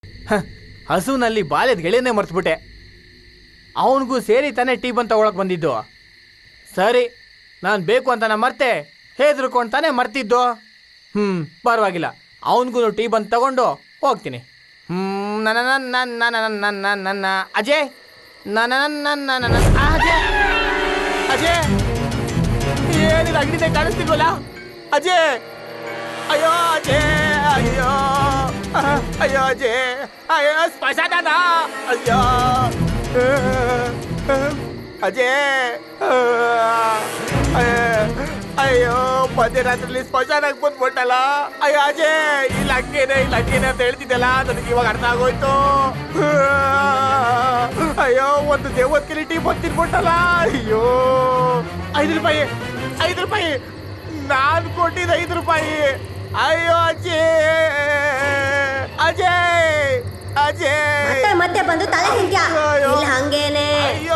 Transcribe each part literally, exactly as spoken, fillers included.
ಹಸುನಲ್ಲಿ ಬಾಲ್ಯದ ಗೆಳೆಯನ್ನೇ ಮರ್ತ್ಬಿಟ್ಟೆ. ಅವನಿಗೂ ಸೇರಿ ತಾನೇ ಟೀ ಬಂದು ತಗೊಳಕ್ ಬಂದಿದ್ದು. ಸರಿ, ನಾನು ಬೇಕು ಅಂತ ನಾ ಮರ್ತೆ ಹೆದರ್ಕೊಂಡು ತಾನೇ ಮರ್ತಿದ್ದು. ಹ್ಞೂ ಪರವಾಗಿಲ್ಲ, ಅವನಿಗೂ ಟೀ ಬಂದು ತಗೊಂಡು ಹೋಗ್ತೀನಿ. ಹ್ಞೂ ನನ್ನ ನನ್ನ ನನ್ನ ನನ್ನ ನನ್ನ ನನ್ನ ಅಜಯ್ ನನ್ನ ನನ್ನ ನನ್ನ ನನ್ನ ಅಜಯ್ ಅಜಯ್ ಏನಿಲ್ಲ, ಅಗ್ನಿದೆ ಕಾಣಿಸ್ತಿಲ್ವಲ್ಲ ಅಜಯ್? ಅಯ್ಯೋ ಅಜಯ್, ಅಯ್ಯೋ ಅಯ್ಯೋ ಅಜಯ್, ಅಯ್ಯೋ ಸ್ಮಶಾನ, ಅಯ್ಯೋ ಅಜಯ್, ಅಯ್ಯೋ ಮಧ್ಯರಾತ್ರಿಲಿ ಸ್ಮಶಾನಕ್ಕೆ ಬಂದ್ಬಿಟ್ಟಲ್ಲ. ಅಯ್ಯೋ ಅಜಯ್, ಇಲ್ಲ ಹಂಗೇನೆ ಇಲ್ಲ ಹಂಗೇನೆ ಅಂತ ಹೇಳ್ತಿದ್ದಲ್ಲ, ನನಗೆ ಇವಾಗ ಅರ್ಥ ಆಗೋಯ್ತು. ಅಯ್ಯೋ ಒಂದು ದೇವದ ಕಿಲಿಟಿ ಬಂದಿರ್ಬಿಟ್ಟಲ್ಲ. ಅಯ್ಯೋ ಐದು ರೂಪಾಯಿ ಐದು ರೂಪಾಯಿ ನಾನು ಕೊಟ್ಟಿದ್ದ ಐದು ರೂಪಾಯಿ. ಅಯ್ಯೋ ಅಜಯ್ ಅಜಯ್ ಅಜಯ್ ಮತ್ತೆ ಬಂದು ತಲೆ ತಿಂತ್ಯಾ? ಇಲ್ಲ ಹಂಗೇನೆ. ಅಯ್ಯೋ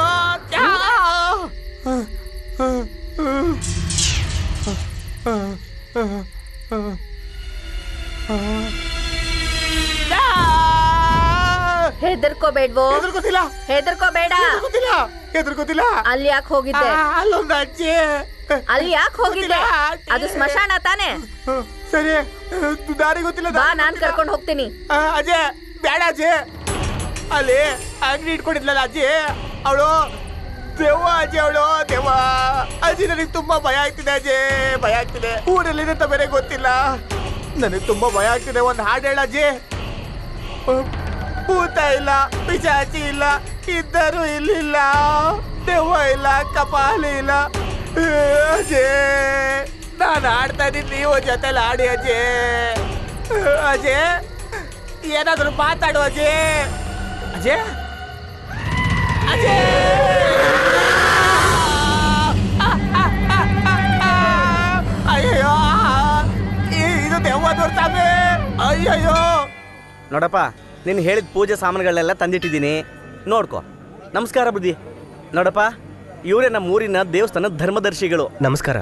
ಹೆದರ್ಕೋಬೇಡ್ವೋ? ಹೆದರ್ಕೋತಿಲ್ಲ ಹೆದರ್ಕೋಬೇಡ. ಹೆದರ್ಕೋತಿಲ್ಲ ಹೆದರ್ಕೋತಿಲ್ಲ. ಅಲ್ಲಿ ಯಾಕೆ ಹೋಗಿದ್ದೆ? ಅಲ್ಲೊಂದು ಅಜ್ಜಿ. ಅಲ್ಲಿ ಯಾಕೆ ಹೋಗಿದ್ದೆ? ಅದು ಸ್ಮಶಾನ ತಾನೆ? ಸರಿ, ದಾರಿ ಗೊತ್ತಿಲ್ಲ. ಬಾ, ನಾನ್ ಕರ್ಕೊಂಡು ಹೋಗ್ತೀನಿ. ಅಜಯ್ ಬೇಡ ಅಜ್ಜಿ, ಅಲ್ಲಿ ಅಂಗಡಿ ಇಟ್ಕೊಂಡಿದ್ಲಲ್ಲ ಅಜ್ಜಿ, ಅವಳು ದೆವ್ವ ಅಜ್ಜಿ, ಅವಳು ದೆವ್ವ ಅಜ್ಜಿ. ನನಗೆ ತುಂಬಾ ಭಯ ಆಗ್ತಿದೆ ಅಜ್ಜಿ, ಭಯ ಆಗ್ತಿದೆ. ಊರಲ್ಲಿ ಅಂತ ಬೇರೆ ಗೊತ್ತಿಲ್ಲ, ನನಗೆ ತುಂಬಾ ಭಯ ಆಗ್ತಿದೆ. ಒಂದು ಹಾಡು ಹೇಳ ಅಜ್ಜಿ. ಭೂತ ಇಲ್ಲ, ಪಿಶಾಚಿ ಇಲ್ಲ, ಇದ್ದರು ಇಲ್ಲಿಲ್ಲ, ದೆವ್ವ ಇಲ್ಲ, ಕಪಾಲಿ ಇಲ್ಲ ಅಜಯ್. ನಾನು ಆಡ್ತಾ ಇದ್ದೀನಿ, ನೀವು ಜೊತೆಲಿ ಆಡಿ ಅಜಯ್. ಅಜಯ್ ಏನಾದರೂ ಮಾತಾಡು ಅಜಯ್. ಅಜಯ್ ಅಜಯ್ ಅಯ್ಯಯ್ಯೋ, ಇದು ದೆವ್ವ ನೋಡ್ತಾವೆ. ಅಯ್ಯಯ್ಯೋ ನೋಡಪ್ಪ, ನೀನು ಹೇಳಿದ ಪೂಜೆ ಸಾಮಾನುಗಳೆಲ್ಲ ತಂದಿಟ್ಟಿದ್ದೀನಿ, ನೋಡ್ಕೊ. ನಮಸ್ಕಾರ ಬುದ್ಧಿ. ನೋಡಪ್ಪ, ಇವರೇ ನಮ್ಮ ಊರಿನ ದೇವಸ್ಥಾನದ ಧರ್ಮದರ್ಶಿಗಳು. ನಮಸ್ಕಾರ.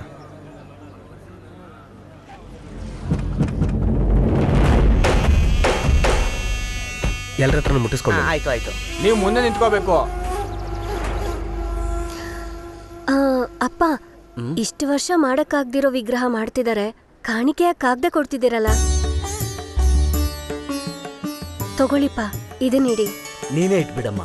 ಎಲ್ಲರ ಹತ್ರ ಮುಟ್ಟಿಸ್ಕೊಂಡು. ಆಯ್ತು ಆಯ್ತು, ನೀವು ಮುಂದೆ ನಿಂತ್ಕೋಬೇಕು. ಅಪ್ಪ, ಇಷ್ಟು ವರ್ಷ ಮಾಡಕ್ಕಾಗ್ದಿರೋ ವಿಗ್ರಹ ಮಾಡ್ತಿದ್ದಾರೆ, ಕಾಣಿಕೆಯಾಗಿ ಕಾಗ್ದ ಕೊಡ್ತಿದ್ದೀರಲ್ಲ, ತಗೊಳ್ಳಿಪ್ಪ, ಇದನ್ನಿಡಿ. ನೀನೇ ಇಟ್ಬಿಡಮ್ಮ.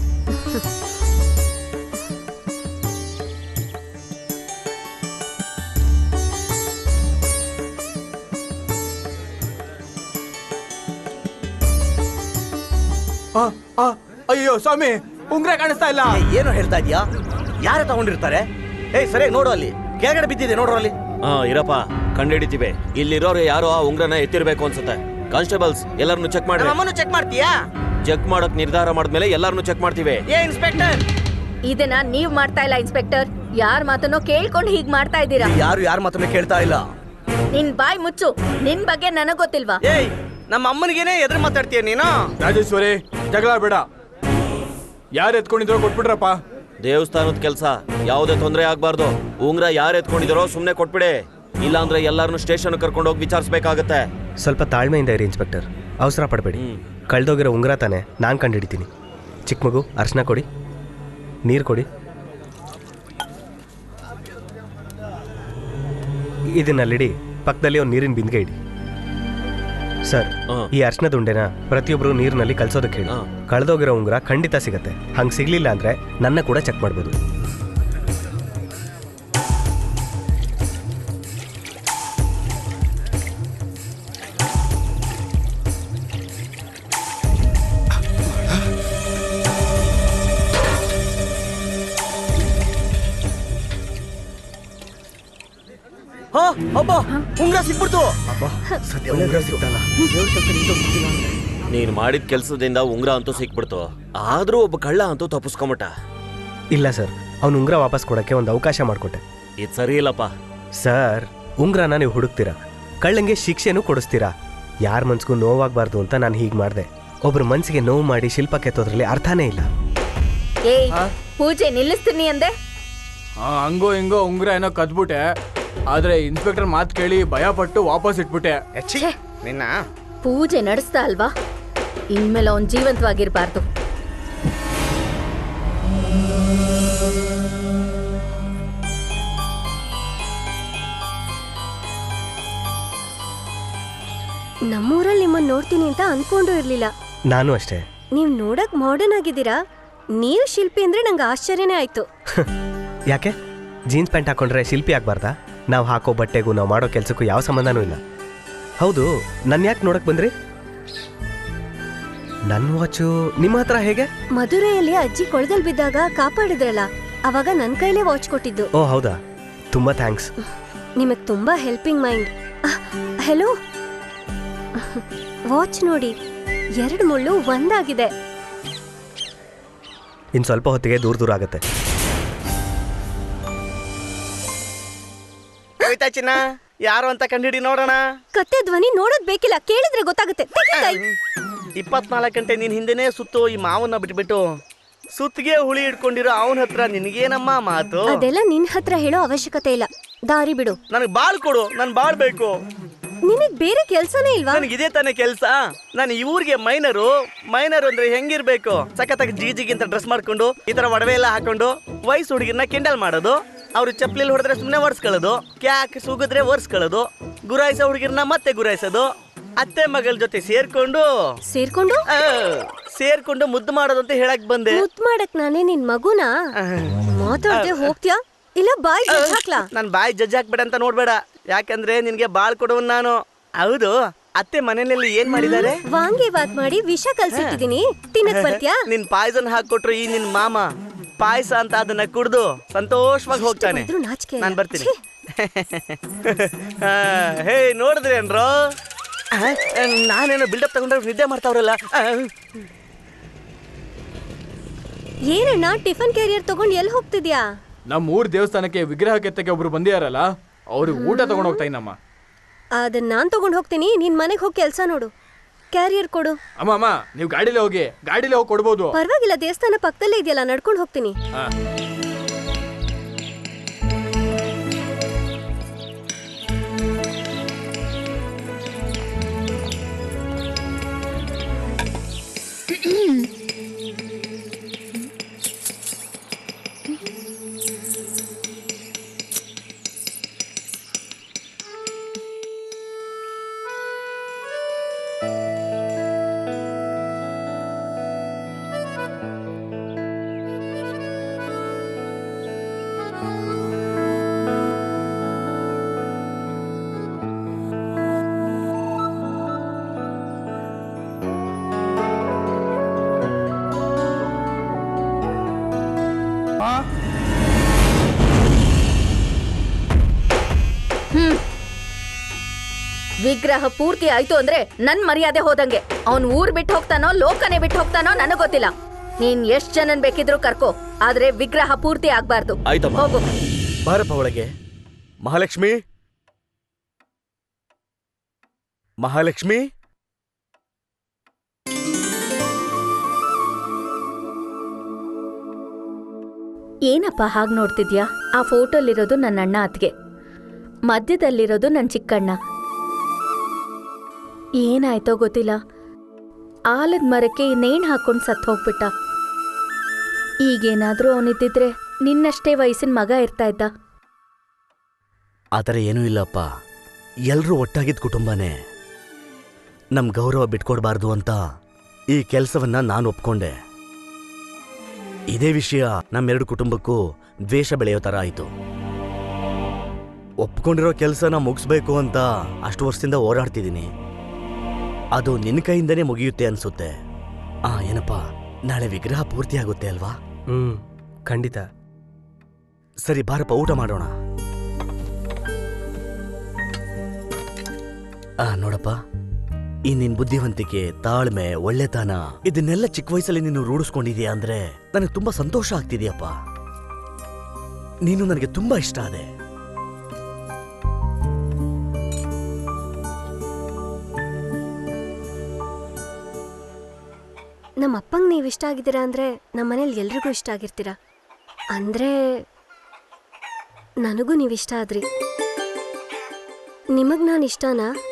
ಅಯ್ಯೋ ಸ್ವಾಮಿ, ಉಂಗ್ರ ಕಾಣಿಸ್ತಾ ಇಲ್ಲ. ಏನು ಹೇಳ್ತಾ ಇದೀಯಾ? ಯಾರು ತಗೊಂಡಿರ್ತಾರೆ? ಏಯ್ ಸರಿಯಾಗಿ ನೋಡು, ಅಲ್ಲಿ ಕೆಳಗಡೆ ಬಿದ್ದಿದೆ, ನೋಡ್ರು ಅಲ್ಲಿ. ಹಾ ಇರಪ್ಪ, ಕಂಡಿಡಿತೀವಿ. ಇಲ್ಲಿರೋರು ಯಾರೋ ಆ ಉಂಗ್ರನ ಎತ್ತಿರ್ಬೇಕು ಅನ್ಸುತ್ತೆ. ಕಾನ್ಸ್ಟೇಬಲ್ಸ್ ಎಲ್ಲರನ್ನು ಚೆಕ್ ಮಾಡಿ. ನಮ್ಮನ್ನು ಚೆಕ್ ಮಾಡ್ತೀಯಾ? ಚೆಕ್ ಮಾಡಕ್ ನಿರ್ಧಾರ ಮಾಡಿದ್ಮೇಲೆ ಎಲ್ಲರನ್ನು ಚೆಕ್ ಮಾಡ್ತೀವಿ. ಏ ಇನ್ಸ್ಪೆಕ್ಟರ್, ಇದನ್ನ ನೀವ್ ಮಾಡ್ತಾ ಇಲ್ಲ ಇನ್ಸ್ಪೆಕ್ಟರ್, ಯಾರ ಮಾತನ್ನೋ ಕೇಳ್ಕೊಂಡು ಹೀಗ್ ಮಾಡ್ತಾ ಇದ್ದೀರಾ. ಯಾರು ಯಾರ ಮಾತನ್ನು ಕೇಳ್ತಾ ಇಲ್ಲ. ನಿನ್ ಬಾಯ್ ಮುಚ್ಚು, ನಿನ್ ಬಗ್ಗೆ ನನಗ್ ಗೊತ್ತಿಲ್ವಾ? ಏಯ್, ನಮ್ಮ ಅಮ್ಮನಿಗೇನೆ ಎದುರು ಮಾತಾಡ್ತೀಯ ನೀನು? ರಾಜೇಶ್ವರಿ, ಜಗಳ ಬೇಡ. ಯಾರು ಎತ್ಕೊಂಡಿದ್ರೋ ಕೊಟ್ಬಿಟ್ರಪ್ಪ. ದೇವಸ್ಥಾನದ ಕೆಲಸ, ಯಾವುದೇ ತೊಂದರೆ ಆಗ್ಬಾರ್ದು. ಉಂಗ್ರ ಯಾರು ಎತ್ಕೊಂಡಿದಾರೋ ಸುಮ್ನೆ ಕೊಟ್ಬಿಡಿ, ಇಲ್ಲಾಂದ್ರೆ ಎಲ್ಲಾರನ್ನು ಸ್ಟೇಷನ್ ಕರ್ಕೊಂಡು ಹೋಗಿ ವಿಚಾರಿಸಬೇಕಾಗತ್ತೆ. ಸ್ವಲ್ಪ ತಾಳ್ಮೆಯಿಂದ ಇರಿ ಇನ್ಸ್ಪೆಕ್ಟರ್, ಅವಸರ ಪಡಬೇಡಿ. ಕಳ್ದೋಗಿರೋ ಉಂಗ್ರ ತಾನೆ, ನಾನು ಕಂಡುಹಿಡಿತೀನಿ. ಚಿಕ್ಕ ಮಗು, ಅರ್ಶನ ಕೊಡಿ, ನೀರು ಕೊಡಿ. ಇದನ್ನಲ್ಲಿಡಿ, ಪಕ್ಕದಲ್ಲಿ ಒಂದು ನೀರಿನ ಬಿಂದಿಗೆ ಇಡಿ. ಸರ್, ಈ ಅರ್ಶನದ ಉಂಡೆನ ಪ್ರತಿಯೊಬ್ಬರು ನೀರಿನಲ್ಲಿ ಕಲ್ಸೋದಕ್ಕೆ ಹೇಳಿ. ಕಳೆದೋಗಿರೋ ಉಂಗುರ ಖಂಡಿತ ಸಿಗತ್ತೆ. ಹಂಗೆ ಸಿಗ್ಲಿಲ್ಲ ಅಂದ್ರೆ ನನ್ನ ಕೂಡ ಚೆಕ್ ಮಾಡ್ಬೋದು. ಹಾ ಅಬ್ಬಾ, ಉಂಗ್ರ ಸಿಕ್ಬಿಡ್ತು. ಉಂಗ್ರ ಸಿಗ್ತಲ್ಲ. ನೀನ್ ಮಾಡಿದ ಕೆಲ್ಸದಿಂದ ಉಂಗ್ರ ಅಂತೂ ಸಿಕ್ಬಿಡ್ತು, ಆದ್ರೂ ಒಬ್ಬ ಕಳ್ಳ ಅಂತೂ ತಪ್ಪಿಸ್ಕೊಂಬಿಟ್ಟ. ಇಲ್ಲ ಸರ್, ಅವ್ನು ಉಂಗ್ರ ವಾಪಸ್ ಕೊಡಕ್ಕೆ ಒಂದು ಅವಕಾಶ ಮಾಡಿಕೊಟ್ಟೆ. ಇದು ಸರಿ ಇಲ್ಲಪ್ಪ. ಸರ್, ಉಂಗ್ರನ ನೀವು ಹುಡುಕ್ತೀರಾ, ಕಳ್ಳಂಗೆ ಶಿಕ್ಷೆನೂ ಕೊಡಿಸ್ತೀರಾ. ಯಾರ ಮನ್ಸಿಗೂ ನೋವಾಗಬಾರ್ದು ಅಂತ ನಾನು ಹೀಗೆ ಮಾಡಿದೆ. ಒಬ್ರು ಮನ್ಸಿಗೆ ನೋವು ಮಾಡಿ ಶಿಲ್ಪ ಕೆತ್ತೋದ್ರಲ್ಲಿ ಅರ್ಥನೇ ಇಲ್ಲ. ಏಯ್, ಪೂಜೆ ನಿಲ್ಲಿಸ್ತೀನಿ ಅಂದೆ. ಹಂಗೋ ಹಿಂಗೋ ಉಂಗ್ರ ಏನೋ ಕದ್ಬಿಟ್ಟೆ, ಆದ್ರೆ ಇನ್ಸ್ಪೆಕ್ಟರ್ ಮಾತು ಕೇಳಿ ಭಯ ಪಟ್ಟು ವಾಪಸ್ ಇಟ್ಬಿಟ್ಟೆ. ನಿನ್ನ ಪೂಜೆ ನಡೆಸ್ತಾ ಅಲ್ವಾ? ಇನ್ಮೇಲೆ ಅವನ್ ಜೀವಂತವಾಗಿರ್ಬಾರ್ದು. ನಮ್ಮೂರಲ್ಲಿ ನಿಮ್ಮನ್ನ ನೋಡ್ತೀನಿ ಅಂತ ಅನ್ಕೊಂಡು ಇರ್ಲಿಲ್ಲ. ನಾನು ಅಷ್ಟೇ. ನೀವ್ ನೋಡಕ್ ಮಾಡರ್ನ್ ಆಗಿದ್ದೀರಾ. ನೀವು ಶಿಲ್ಪಿ ಅಂದ್ರೆ ನಂಗೆ ಆಶ್ಚರ್ಯನೇ ಆಯ್ತು. ಯಾಕೆ ಜೀನ್ಸ್ ಪ್ಯಾಂಟ್ ಹಾಕೊಂಡ್ರೆ ಶಿಲ್ಪಿ ಆಗ್ಬಾರ್ದಾ? ನಾವು ಹಾಕೋ ಬಟ್ಟೆಗೂ ನಾವು ಮಾಡೋ ಕೆಲಸಕ್ಕೂ ಯಾವ ಸಂಬಂಧನೂ ಇಲ್ಲ. ಹೌದು, ನನ್ನ ಯಾಕೆ ನೋಡಕ್ ಬಂದ್ರಿ? ನನ್ನ ವಾಚು ನಿಮ್ಮ ಹತ್ರ ಹೇಗೆ? ಮಧುರೆಯಲ್ಲಿ ಅಜ್ಜಿ ಕೊಳದಲ್ಲಿ ಬಿದ್ದಾಗ ಕಾಪಾಡಿದ್ರಲ್ಲ, ಅವಾಗ ನನ್ ಕೈಲೇ ವಾಚ್ ಕೊಟ್ಟಿದ್ದು. ಓ ಹೌದಾ, ತುಂಬಾ ಥ್ಯಾಂಕ್ಸ್. ನಿಮಗ್ ತುಂಬಾ ಹೆಲ್ಪಿಂಗ್ ಮೈಂಡ್. ಹೆಲೋ, ವಾಚ್ ನೋಡಿ, ಎರಡು ಮುಳ್ಳು ಒಂದಾಗಿದೆ. ಇನ್ ಸ್ವಲ್ಪ ಹೊತ್ತಿಗೆ ದೂರ ದೂರ ಆಗತ್ತೆ. ಹೋಯ್ತಾ ಚಿನ್ನ, ಯಾರು ಅಂತ ಕಂಡಿಡಿ ನೋಡೋಣ. ಕತ್ತೆ ಧ್ವನಿ ನೋಡೋದ್ ಬೇಕಿಲ್ಲ, ಕೇಳಿದ್ರೆ ಗೊತ್ತಾಗುತ್ತೆ. ತೆಗಿ ಕೈ. ಇಪ್ಪತ್ನಾಲ್ಕು ಗಂಟೆ ನಿನ್ ಹಿಂದೆನೇ ಸುತ್ತು ಈ ಮಾವನ್ನ ಬಿಟ್ಬಿಟ್ಟು ಸುತ್ತಿಗೆ ಹುಳಿ ಇಟ್ಕೊಂಡಿರೋ ಅವನ ಹತ್ರ ನಿನಗೇನಮ್ಮ ಮಾತು? ಅದೆಲ್ಲ ನಿನ್ ಹತ್ರ ಹೇಳೋ ಅವಶ್ಯಕತೆ ಇಲ್ಲ. ದಾರಿ ಬಿಡು. ನನಗ್ ಬಾಳ್ ಕೊಡು, ನನ್ ಬಾಳ್ ಬೇಕು. ನಿನಗ್ ಬೇರೆ ಕೆಲ್ಸನೇ ಇಲ್ವಾ? ನನಗಿದೇ ತಾನೇ ಕೆಲ್ಸ. ನಾನು ಈ ಊರಿಗೆ ಮೈನರು. ಮೈನರ್ ಅಂದ್ರೆ ಹೆಂಗಿರ್ಬೇಕು? ಸಖತ್ತಾಗಿ ಜಿಗಿಜಿಗಿಂತ ಡ್ರೆಸ್ ಮಾಡ್ಕೊಂಡು, ಈ ತರ ಒಡವೆ ಎಲ್ಲ ಹಾಕೊಂಡು ವಯಸ್ಸು ಹುಡುಗಿನ ಕೆಂಡಲ್ ಮಾಡೋದು, ಅವ್ರು ಚಪ್ಲಿಲ್ ಹೊಡೆದ್ರೆ ಸುಮ್ನೆ ಒರ್ಸ್ಕೊಳ್ಳೋದು, ಕ್ಯಾಕ್ ಸುಗಿದ್ರೆ ಒರ್ಸ್ಕೊಳ್ಳೋದು, ಗುರಾಯಿಸೋ ಹುಡುಗಿರ್ನ ಮತ್ತೆ ಗುರಾಯಿಸೋದು, ಅತ್ತೆ ಮಗಳ ಜೊತೆ ಸೇರ್ಕೊಂಡು ಸೇರ್ಕೊಂಡು ಆ, ಸೇರ್ಕೊಂಡು ಮುದ್ದು ಮಾಡೋದು ಅಂತ ಹೇಳಕ್ ಬಂದೆ. ಮುದ್ ಮಾಡಕ್ ನಾನೇ ನಿನ್ ಮಗುನಾ? ಮಾತಾಡ್ದೆ ಹೋಗ್ತ್ಯಾ ಇಲ್ಲ ಬಾಯ್ ಹಾಕ್ಲಾ? ನನ್ ಬಾಯಿ ಜಜ್ಜ್ ಹಾಕ್ಬೇಡ ಅಂತ ನೋಡ್ಬೇಡ, ಯಾಕಂದ್ರೆ ನಿನ್ಗೆ ಬಾಳ್ ಕೊಡುವನ್ ನಾನು. ಹೌದು, ಅತ್ತೆ ಮನೆಯಲ್ಲಿ ಏನ್ ಮಾಡಿದ್ದಾರೆ? ವಾಂಗಿ ಬಾತ್ ಮಾಡಿ ವಿಷ ಕಲ್ಸಿಟ್ಟಿದೀನಿ, ತಿನ್ನಕ್ ಬರ್ತ್ಯಾ? ನಿನ್ ಪಾಯ್ಸನ್ ಹಾಕೊಟ್ರು ಈ ನಿನ್ ಮಾಮ ಪಾಯಸ ಅಂತ ಅದನ್ನ ಕುಡ್ದು ಸಂತೋಷವಾಗಿ ಹೋಗ್ತಾನೆ. ನಾಚಿಕೆ. ನಾನ್ ಬರ್ತೀನಿ. ಹೇ ನೋಡಿದ್ರೇನ್ರೋ, ನಾನೇನೋ ಬಿಲ್ಡಪ್ ತಗೊಂಡ್ರೆ ನಿದ್ದೆ ಮಾಡ್ತಾವ್ರಲ್ಲ. ಏನಣ್ಣ ಟಿಫನ್ ಕ್ಯಾರಿಯರ್ ತಗೊಂಡ್ ಎಲ್ಲಿ ಹೋಗ್ತಿದ್ಯಾ? ನಮ್ಮ ಊರ್ ದೇವಸ್ಥಾನಕ್ಕೆ ವಿಗ್ರಹ ಕೆತ್ತಕ್ಕೆ ಒಬ್ರು ಬಂದಿಯಾರಲ್ಲ, ಅವ್ರಿಗೆ ಊಟ ತಗೊಂಡ್ ಹೋಗ್ತಾ ಇದ್ದಮ್ಮ. ಅದನ್ನ ನಾನ್ ತಗೊಂಡ್ ಹೋಗ್ತೀನಿ, ನಿನ್ ಮನೆಗ್ ಹೋಗಿ ಕೆಲ್ಸ ನೋಡು. ಕ್ಯಾರಿಯರ್ ಕೊಡು. ಅಮ್ಮ ಅಮ್ಮ, ನೀವು ಗಾಡಿಲೇ ಹೋಗಿ, ಗಾಡಿಲೇ ಹೋಗಿ ಕೊಡ್ಬೋದು. ಪರವಾಗಿಲ್ಲ, ದೇವಸ್ಥಾನ ಪಕ್ಕದಲ್ಲೇ ಇದೆಯಲ್ಲ, ನಡ್ಕೊಂಡು ಹೋಗ್ತೀನಿ. ಹಾ. ವಿಗ್ರಹ ಪೂರ್ತಿ ಆಯ್ತು ಅಂದ್ರೆ ನನ್ ಮರ್ಯಾದೆ ಹೋದಂಗೆ. ಅವನ್ ಊರ್ ಬಿಟ್ಟು ಹೋಗ್ತಾನೋ ಲೋಕನೇ ಬಿಟ್ಟು ಹೋಗ್ತಾನೋ ನನಗ್ ಗೊತ್ತಿಲ್ಲ. ನೀನ್ ಎಷ್ಟ್ ಜನನ್ ಬೇಕಿದ್ರು ಕರ್ಕೋ, ಆದ್ರೆ ವಿಗ್ರಹ ಪೂರ್ತಿ ಆಗ್ಬಾರ್ದು. ಹೋಗು. ಬಾರಪ್ಪ ಒಳಗೆ. ಮಹಾಲಕ್ಷ್ಮಿ, ಮಹಾಲಕ್ಷ್ಮಿ. ಏನಪ್ಪ ಹಾಗ್ ನೋಡ್ತಿದ್ಯಾ? ಆ ಫೋಟೋಲಿರೋದು ನನ್ನ ಅಣ್ಣ ಅತ್ಗೆ, ಮಧ್ಯದಲ್ಲಿರೋದು ನನ್ ಚಿಕ್ಕಣ್ಣ. ಏನಾಯ್ತೋ ಗೊತ್ತಿಲ್ಲ, ಆಲದ ಮರಕ್ಕೆ ನೇಣು ಹಾಕೊಂಡು ಸತ್ತು ಹೋಗ್ಬಿಟ್ಟ. ಈಗೇನಾದ್ರೂ ಅವನಿದ್ದಿದ್ರೆ ನಿನ್ನಷ್ಟೇ ವಯಸ್ಸಿನ ಮಗ ಇರ್ತಾ ಇದ್ದ. ಆ ಥರ ಏನೂ ಇಲ್ಲಪ್ಪ, ಎಲ್ಲರೂ ಒಟ್ಟಾಗಿದ್ದ ಕುಟುಂಬನೇ. ನಮ್ ಗೌರವ ಬಿಟ್ಕೊಡ್ಬಾರ್ದು ಅಂತ ಈ ಕೆಲಸವನ್ನ ನಾನು ಒಪ್ಕೊಂಡೆ. ಇದೇ ವಿಷಯ ನಮ್ಮೆರಡು ಕುಟುಂಬಕ್ಕೂ ದ್ವೇಷ ಬೆಳೆಯೋ ಥರ ಆಯಿತು. ಒಪ್ಕೊಂಡಿರೋ ಕೆಲಸನ ಮುಗಿಸ್ಬೇಕು ಅಂತ ಅಷ್ಟು ವರ್ಷದಿಂದ ಹೋರಾಡ್ತಿದ್ದೀನಿ. ಅದು ನಿನ್ನ ಕೈಯಿಂದನೇ ಮುಗಿಯುತ್ತೆ ಅನ್ಸುತ್ತೆ. ಆ ಏನಪ್ಪ, ನಾಳೆ ವಿಗ್ರಹ ಪೂರ್ತಿ ಆಗುತ್ತೆ ಅಲ್ವಾ? ಹ್ಮ್, ಖಂಡಿತ. ಸರಿ ಬಾರಪ್ಪ, ಊಟ ಮಾಡೋಣ. ಆ ನೋಡಪ್ಪ, ಈ ನಿನ್ ಬುದ್ಧಿವಂತಿಕೆ, ತಾಳ್ಮೆ, ಒಳ್ಳೆತನ ಇದನ್ನೆಲ್ಲ ಚಿಕ್ಕ ವಯಸ್ಸಲ್ಲಿ ನೀನು ರೂಢಿಸ್ಕೊಂಡಿದೀಯ ಅಂದ್ರೆ ನನಗೆ ತುಂಬಾ ಸಂತೋಷ ಆಗ್ತಿದೆಯಪ್ಪ. ನೀನು ನನಗೆ ತುಂಬಾ ಇಷ್ಟ ಆದೆ. ನಮ್ಮ ಅಪ್ಪಂಗೆ ನೀವು ಇಷ್ಟ ಆಗಿದ್ದೀರಾ ಅಂದ್ರೆ ನಮ್ಮ ಮನೇಲಿ ಎಲ್ರಿಗೂ ಇಷ್ಟ ಆಗಿರ್ತೀರಾ. ಅಂದ್ರೆ ನನಗೂ ನೀವು ಇಷ್ಟ ಆದ್ರಿ. ನಿಮಗ್ ನಾನು ಇಷ್ಟನಾ?